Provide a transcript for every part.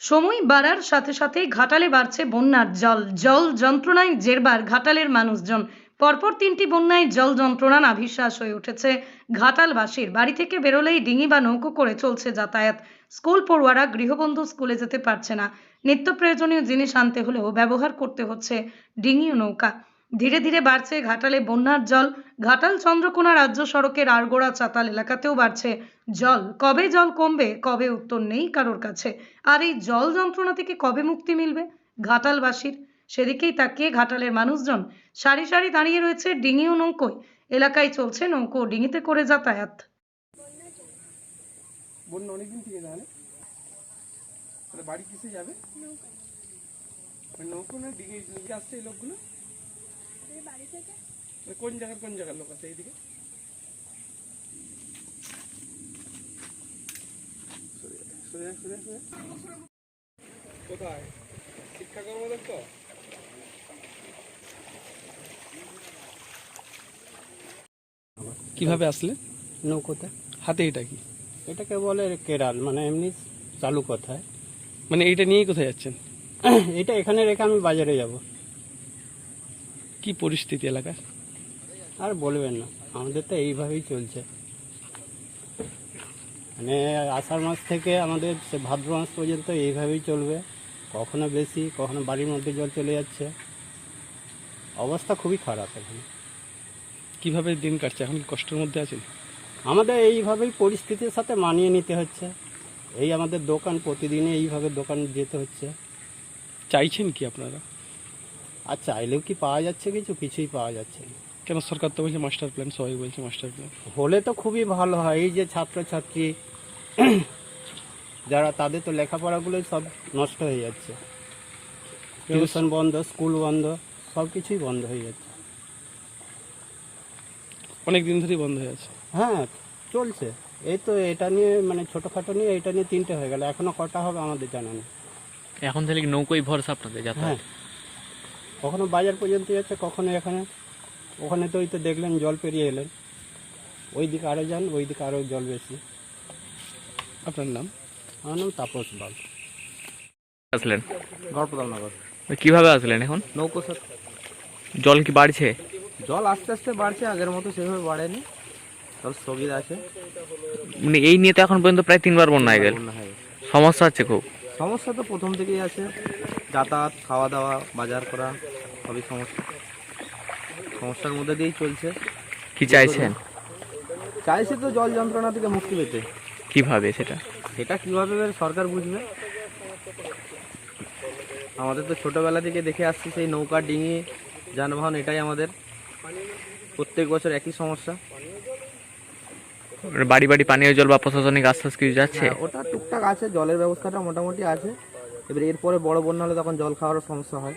সময় বাড়ার সাথে সাথে ঘাটালে বাড়ছে বন্যার জল। জল যন্ত্রণায় জেরবার ঘাটালের মানুষজন। পরপর ৩টি বন্যায় জল যন্ত্রণা নাভিশ্বাস হয়ে উঠেছে ঘাটালবাসীর। বাড়ি থেকে বেরোলেই ডিঙি বা নৌকো করে চলছে যাতায়াত। স্কুল পড়ুয়ারা গৃহবন্ধু স্কুলে যেতে পারছে না। নিত্য প্রয়োজনীয় জিনিস আনতে হলেও ব্যবহার করতে হচ্ছে ডিঙি ও নৌকা। ধীরে ধীরে বাড়ছে ঘাটালে বন্যার জল। ঘাটাল চন্দ্রকোনা রাজ্য সড়কের আড়গোড়া চাতাল এলাকাতেও বাড়ছে জল। কবে জল কমবে, কবে উত্তর নেই কারোর কাছে। আর এই জল যন্ত্রণা থেকে কবে মুক্তি মিলবে ঘাটালবাসীর, সেদিকেই তাকিয়ে ঘাটালের মানুষজন সারি সারি দাঁড়িয়ে রয়েছে ডিঙি ও নৌকোয়। এলাকায় চলছে নৌকো ও ডিঙিতে করে যাতায়াত। বন্যা অনেকদিন থেকে তাহলে তাহলে বাড়ি কিসে যাবে? নৌকো না ডিঙে নিয়ে আসছে এই লোকগুলো? কোন জায়গার লোক আছে এইদিকে? কোথায় শিক্ষা কর্মদপ্তর? কিভাবে আসলে? নৌকোতে। হাতে এটা কি? এটাকে বলে কেরাল, মানে এমনি চালু কথায়। মানে এইটা নিয়েই কোথায় যাচ্ছেন? এটা এখানে রেখে আমি বাজারে যাব। কি পরিস্থিতি এলাকার? আর বলবেন না, আমাদের তো এইভাবেই চলছে। মানে আষাঢ় মাস থেকে আমাদের সে ভাদ্র মাস পর্যন্ত এইভাবেই চলবে। কখনো বেশি, কখনো বাড়ির মধ্যে জল চলে যাচ্ছে। অবস্থা খুবই খারাপ এখানে। কিভাবে দিন কাটছে? এখন কি কষ্টের মধ্যে আছেন? আমাদের এইভাবেই পরিস্থিতির সাথে মানিয়ে নিতে হচ্ছে। এই আমাদের দোকান, প্রতিদিনে এইভাবে দোকান যেতে হচ্ছে। চাইছেন কি আপনারা? আর চাইলেও কি পাওয়া যাচ্ছে? কিছুই পাওয়া যাচ্ছে না। কেন সরকার তো বলছে মাস্টার প্ল্যান, সবাই বলছে মাস্টার প্ল্যান। হলে তো খুবই ভালো হয়। এই যে ছাত্রছাত্রী যারা, তাদের তো লেখাপড়াগুলোই সব নষ্ট হয়ে যাচ্ছে। টিউশন বন্ধ, স্কুল বন্ধ, সব কিছুই বন্ধ হয়ে যাচ্ছে। অনেক দিন ধরেই বন্ধ হয়ে আছে। হ্যাঁ, চলছে। এই তো এটা নিয়ে, মানে ছোটোখাটো নিয়ে এটা নিয়ে 3টে হয়ে গেল। এখনো কটা হবে আমাদের জানা নেই। এখন তাহলে কি নৌকোই ভরসা আপনাদের হ্যাঁ, যাতায়াত? কখনো বাজার পর্যন্ত যাচ্ছে, কখনো এখানে। ওখানে তো ওই তো দেখলেন জল পেরিয়ে এলেন, ওই দিকে আরও যান, ওই দিকে আরও জল বেশি। আপনার নাম? আমার নাম তাপস বাগ। আসলেন গড়পদালনগর। কিভাবে আসলেন? এখন নৌকো স্যার। জল কি বাড়ছে? জল আস্তে আস্তে বাড়ছে, আগের মতো সেভাবে বাড়েনি, জল স্থগিত আছে। মানে এই নিয়ে তো এখন পর্যন্ত প্রায় 3বার বন্যা হয়ে গেল। বন্যা হয়ে গেছে। সমস্যা হচ্ছে খুব। সমস্যা তো প্রথম থেকেই আছে, যাতায়াত, খাওয়া দাওয়া, বাজার করা, সবই সমস্যার মধ্যে দিয়েই চলছে। কি চাইছেন? চাইছি তো জল যন্ত্রণা থেকে মুক্তি পেতে। কিভাবে সেটা? সেটা কীভাবে সরকার বুঝবে। আমাদের তো ছোটোবেলা থেকে দেখে আসছি সেই নৌকা, ডিঙি, যানবাহন, এটাই আমাদের প্রত্যেক বছর একই সমস্যা। মানে বাড়ি বাড়ি পানীয় জল বা প্রশাসনিক আশ্বাস কিছু যাচ্ছে? হ্যাঁ, ওটা টুকটাক আছে, জলের ব্যবস্থাটা মোটামুটি আছে। এবার এরপরে বড় বন্যা হলে তখন জল খাওয়ারও সমস্যা হয়।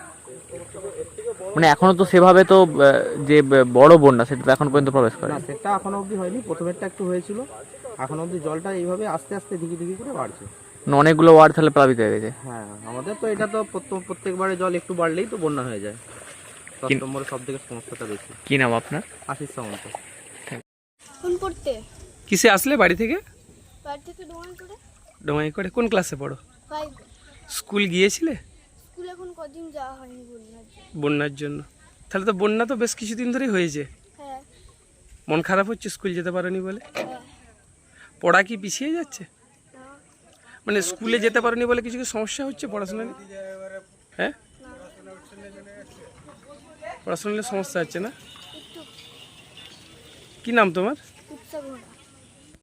মানে এখনো তো সেভাবে তো যে বড় বন্যা সেটা তো এখন পর্যন্ত প্রবেশ করে না, সেটা এখনো অবধি হয়নি। প্রথমেরটা একটু হয়েছিল, এখন অবধি জলটা এইভাবে আস্তে আস্তে ধীরে ধীরে করে বাড়ছে। মানে অনেকগুলো ওয়ার্ড তাহলে প্লাবিত হয়ে গেছে। হ্যাঁ, আমাদের তো এটা তো প্রত্যেকবারে জল একটু বাড়লেই তো বন্যা হয়ে যায়। 10 নম্বরে সব থেকে সমস্যাটা বেশি। কি নাম আপনার? আশিস সামন্ত। ফোন করতে কিসে আসলে বাড়ি থেকে? বাড়ি থেকে ডোমাই করে ডোমাই করে। কোন ক্লাসে পড়ো? 5 স্কুল গিয়েছিলে স্কুল এখন কদিন যাওয়া হয়নি বন্যার জন্য। বন্যার জন্য? তাহলে তো বন্যা তো বেশ কিছুদিন ধরেই হয়েছে। হ্যাঁ মন খারাপ হচ্ছে স্কুল যেতে পারোনি বলে? হ্যাঁ। পড়া কি পিছিয়ে যাচ্ছে? না মানে স্কুলে যেতে পারোনি বলে কিছু কি সমস্যা হচ্ছে পড়াশোনা নিয়ে? হ্যাঁ, পড়াশোনা নিয়ে সমস্যা হচ্ছে না? একটু কি নাম তোমার? উৎসাহ না।